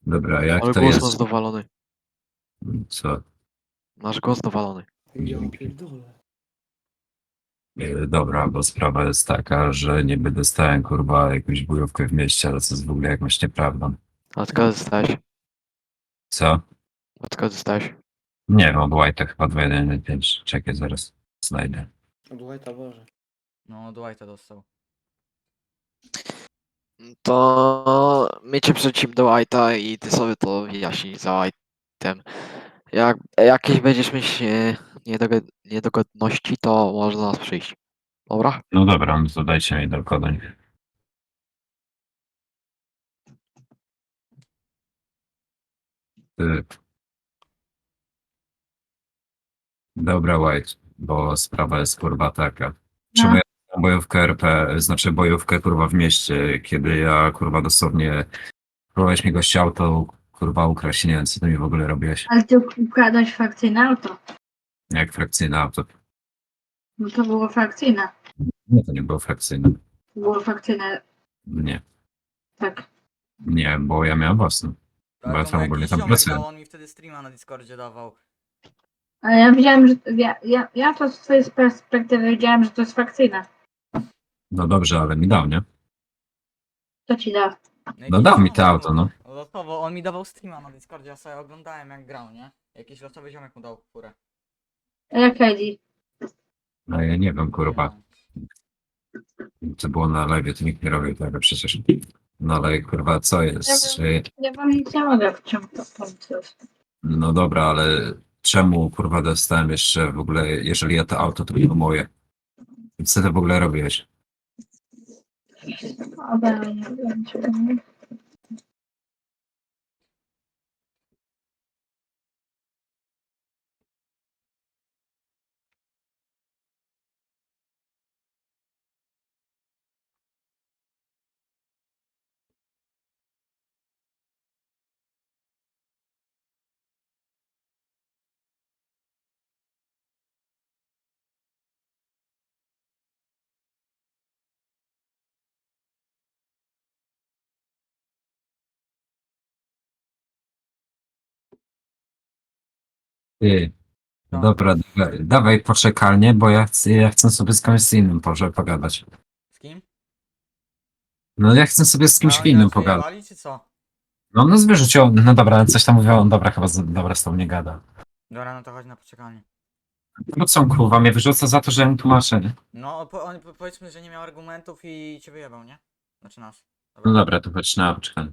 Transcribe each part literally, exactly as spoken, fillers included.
Dobra, jak Ale to głos jest? masz dowalony. Co? Masz głos dowalony. Ja pierdolę. E, Dobra, bo sprawa jest taka, że niby dostałem kurwa jakąś bojówkę w mieście, ale co jest w ogóle jakąś nieprawdą. A od kiedy dostałeś? Co? Od kiedy dostałeś? Nie wiem, od White'a chyba dwa jeden pięć. Czekaj, zaraz znajdę. Od White'a Boże. No, Dwighta dostał. To my cię przecim do White'a i ty sobie to wyjaśnij za White'em. Jak jakieś będziesz mieć e, niedogod niedogodności, to można nas przyjść. Dobra? No dobra, no to dajcie mi do kodań. Ty. Dobra, White, bo sprawa jest kurwa taka. Czemu ja mam bojówkę R P, znaczy bojówkę kurwa w mieście, kiedy ja kurwa dosłownie próbowałeś mi gościa auto kurwa ukraść, nie wiem co ty mi w ogóle robiłeś. Ale ty ukradłeś frakcyjne auto. Jak frakcyjne auto. No to było frakcyjne. Nie, to nie było frakcyjne. Było frakcyjne, Nie, tak. nie, bo ja miałem własne. Bo ja Ale to tam mu ogólnie jakiś tam ziomek pracuję. dał, on mi wtedy streama na Discordzie dawał. Ale ja widziałem, że ja, ja, ja to z twojej perspektywy widziałem, że to jest frakcyjne. No dobrze, ale mi dał, nie? To ci da. jakiś No dał mi ziomek to auto, no. mu- Losowo, on mi dawał streama na Discordzie, ja sobie oglądałem jak grał, nie? Jakiś losowy ziomek mu dał furę. A jak Eddie? No ja nie wiem, kurwa. Nie. Co było na live, to nikt nie robił tego przecież. No ale kurwa, co jest? Że... Ja wam nic nie mogę w czym to pomóc. No dobra, ale czemu kurwa dostałem jeszcze w ogóle, jeżeli ja to auto to było moje? Co ty w ogóle robiłeś? Ale nie wiem, czy... Ty. Co? Dobra, dawaj, dawaj poczekalnie, bo ja chcę, ja chcę sobie z kimś innym może pogadać. Z kim? No ja chcę sobie z A kimś oni innym nas pogadać. wyjebali, czy co? No no zwierzycie, no dobra, coś tam mówią, on dobra, chyba z, dobra z tobą nie gada. Dobra, no to chodź na poczekanie. No co on kurwa mnie wyrzuca za to, że ja mu tłumaczę, nie? No, po, on, po, powiedzmy, że nie miał argumentów i cię wyjebał, nie? Znaczy nas. No dobra, to chodź na poczekanie.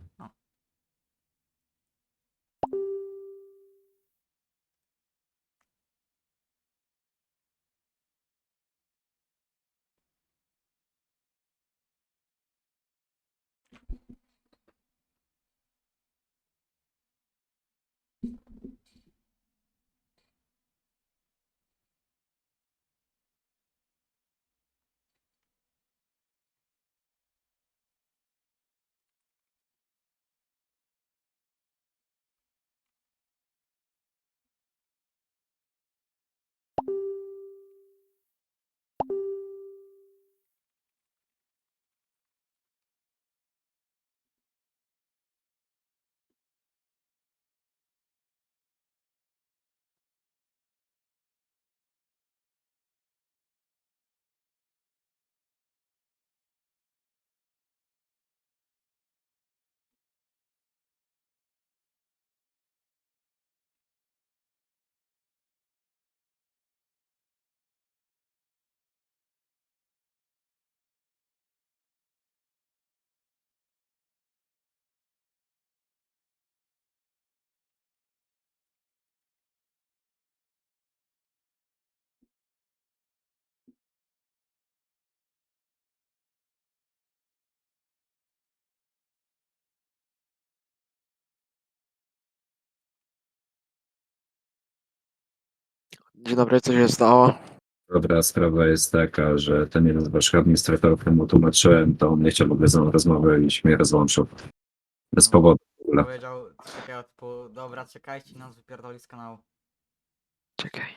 Dzień dobry, co się stało? Dobra, sprawa jest taka, że ten jeden z waszych administratorów, któremu tłumaczyłem, to on nie chciał w ogóle ze mną rozmowy i się mnie rozłączył. Bez powodu w ogóle. Powiedział coś takiego typu, dobra, czekajcie i nas wypierdoli z kanału. Czekaj.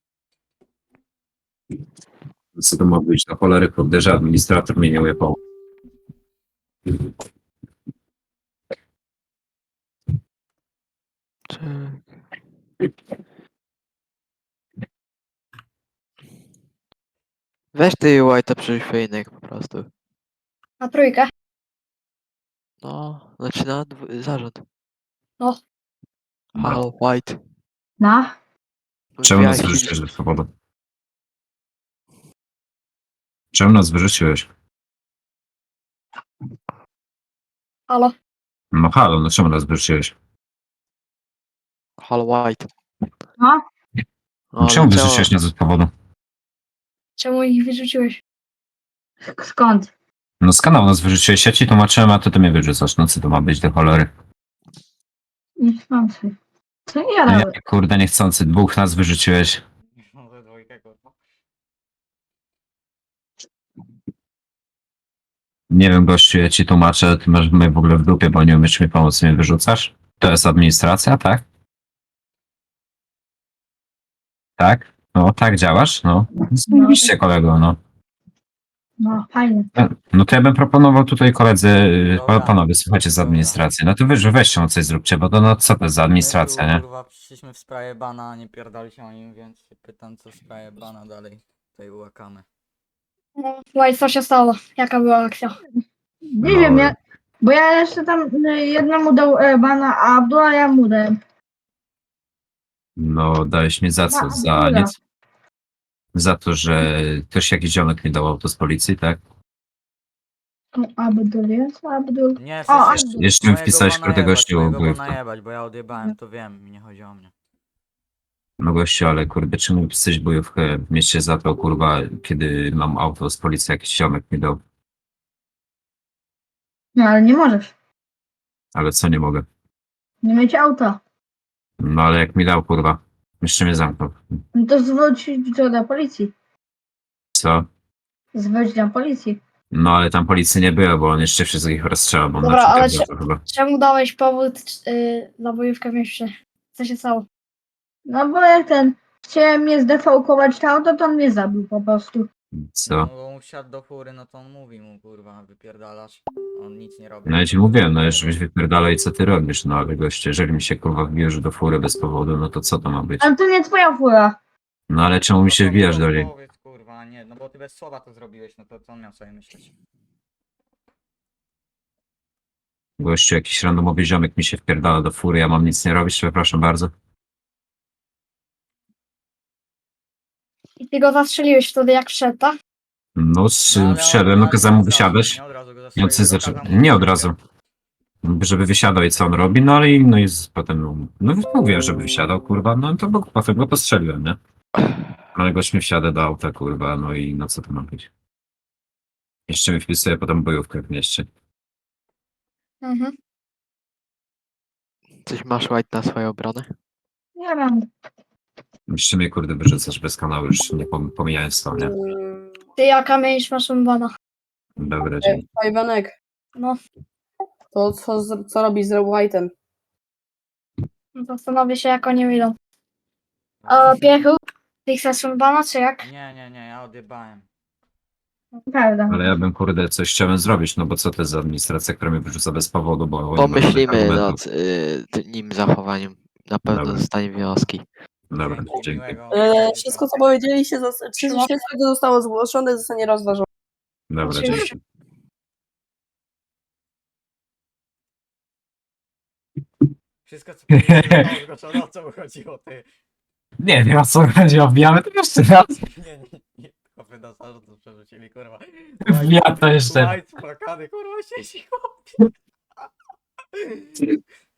Co to ma być na cholery, kurde, że administrator mnie nie ujebał. Weź ty White'a przerzuć po prostu. Na trójkę. No, znaczy na dwu- zarząd. No. Halo, White. No, Czemu nas Wbijaj się- wyrzuciłeś do powodu? Czemu nas wyrzuciłeś? Halo. No halo, no czemu nas wyrzuciłeś? Halo, White. no. No, czemu ale wyrzuciłeś nas z powodu? Czemu ich wyrzuciłeś? Skąd? No z kanału nas wyrzuciłeś, ja ci tłumaczyłem, a ty to mnie wyrzucasz. No co to ma być do cholery? Niechcący. Co ja No robię? ja, kurde, niechcący, dwóch nas wyrzuciłeś. No ze dwójkę, kurwa. Nie wiem, gościu, ja ci tłumaczę, ty masz mnie w ogóle w dupie, bo nie umiesz mi pomóc, mnie wyrzucasz? To jest administracja, tak? Tak? No, tak działasz? No. Oczywiście, kolego, no. No, fajnie. No to ja bym proponował tutaj koledzy, y, Dobra. panowie, słuchajcie z Dobra. administracji. No to wy, że weźcie, no coś zróbcie, bo to no co to jest za administracja, My tu, nie? kurwa, przyszliśmy w sprawie bana, a nie pierdali się o nim, więc się pytam, co w sprawie bana dalej tutaj łakamy. No, White, co się stało? Jaka była akcja? Nie No, wiem, ja, bo ja jeszcze tam y, jednemu dał e, bana, a Abdullah ja mu dałem. No, dałeś mi za co? Na Za Abdullah. nic? Za to, że też jakiś ziomek mi dał auto z policji, tak? O, Abdul jest, Abdul. Nie, O, wszyscy Abdul. Jeszcze mi mojego wpisałeś bana kurde jebać, gościu mojego bojówkę. bana jebać, bo ja odjebałem, to wiem, mi nie chodzi o mnie. No gościu, ale kurde, czemu mi pisałeś bojówkę w mieście za to, kurwa, kiedy mam auto z policji, jakiś ziomek mi dał. No, ale nie możesz. Ale co nie mogę? Nie mieć auta. No ale jak mi dał, kurwa, jeszcze mnie zamknął. No to zwróć to do policji. Co? Zwróć do policji. No ale tam policji nie było, bo on jeszcze wszystkich rozstrzela, bo on Dobra, na ale przykład to chyba. Czemu dałeś powód yy, na bojówkę w mieście? Co się stało? No bo jak ten chciałem mnie zdefałkować to auto, to on mnie zabił po prostu. No Co? bo on wsiadł do fury, no to on mówi mu, kurwa, wypierdalasz. On nic nie robi. No ja ci mówiłem, no żebyś wypierdalał i co ty robisz, no ale goście, jeżeli mi się kurwa wbijesz do fury bez powodu, no to co to ma być? Ale to nie twoja fura. No ale czemu mi No się to wbijasz mi do niej? Powiedz, kurwa, nie, no bo ty bez słowa to zrobiłeś, no to co on miał sobie myśleć? Gościu, jakiś randomowy ziomek mi się wpierdala do fury, ja mam nic nie robić, przepraszam bardzo. I ty go zastrzeliłeś wtedy jak wszedł, tak? No, s- No, ale on- wsiadłem, no ale kazałem nie mu od razu, wysiadać. Nie od razu go I on zastrzelił, coś tylko zaczął, kazał mu nie od wysiadać. razu. Żeby wysiadał i co on robi, no ale i no i z- potem, no, no mówiłem, żeby wysiadał, kurwa, no to bo, potem go postrzeliłem, nie? No ale gość mi wsiada do auta, kurwa, no i no co to ma być? Jeszcze mi wpisuje potem bojówkę w mieście. Mhm. Coś masz White na swoją obronę? Nie mam. Jeszcze mnie, kurde, wyrzucasz bez kanału, już nie pom- pomijając to, nie? Ty jaka mieliś masz bana? Dobra, dzięki. Iwanek, No, to co, z- co robisz z White'em? no zastanowię się jak oni wyjdą. A Piechu? Ty chcesz bana czy jak? Nie, nie, nie, ja odjebałem. Prawda. Ale ja bym, kurde, coś chciałem zrobić, no bo co to jest za administracja, która mnie wyrzuca bez powodu, bo... oni mają żadnych Pomyślimy argumentów. nad y, t- nim zachowaniem. Na pewno Dobra. zostanie wnioski. Dobra, Dzięki, dzięki. miłego. E, wszystko co powiedzieliście, zas- czy Trzyma. śledztwo zostało zgłoszone, zostanie rozważone. Dobra, Oczywiście. dzięki. Wszystko co powiedziałem, zgłoszone, o co mu chodziło, ty. Nie wiem, o co chodzi, wbijamy to jeszcze raz. Nie, nie, nie, chłopy na zarząd przerzucili, kurwa. Wbija to jeszcze. White spłakany, kurwa, siedzi, chłopie.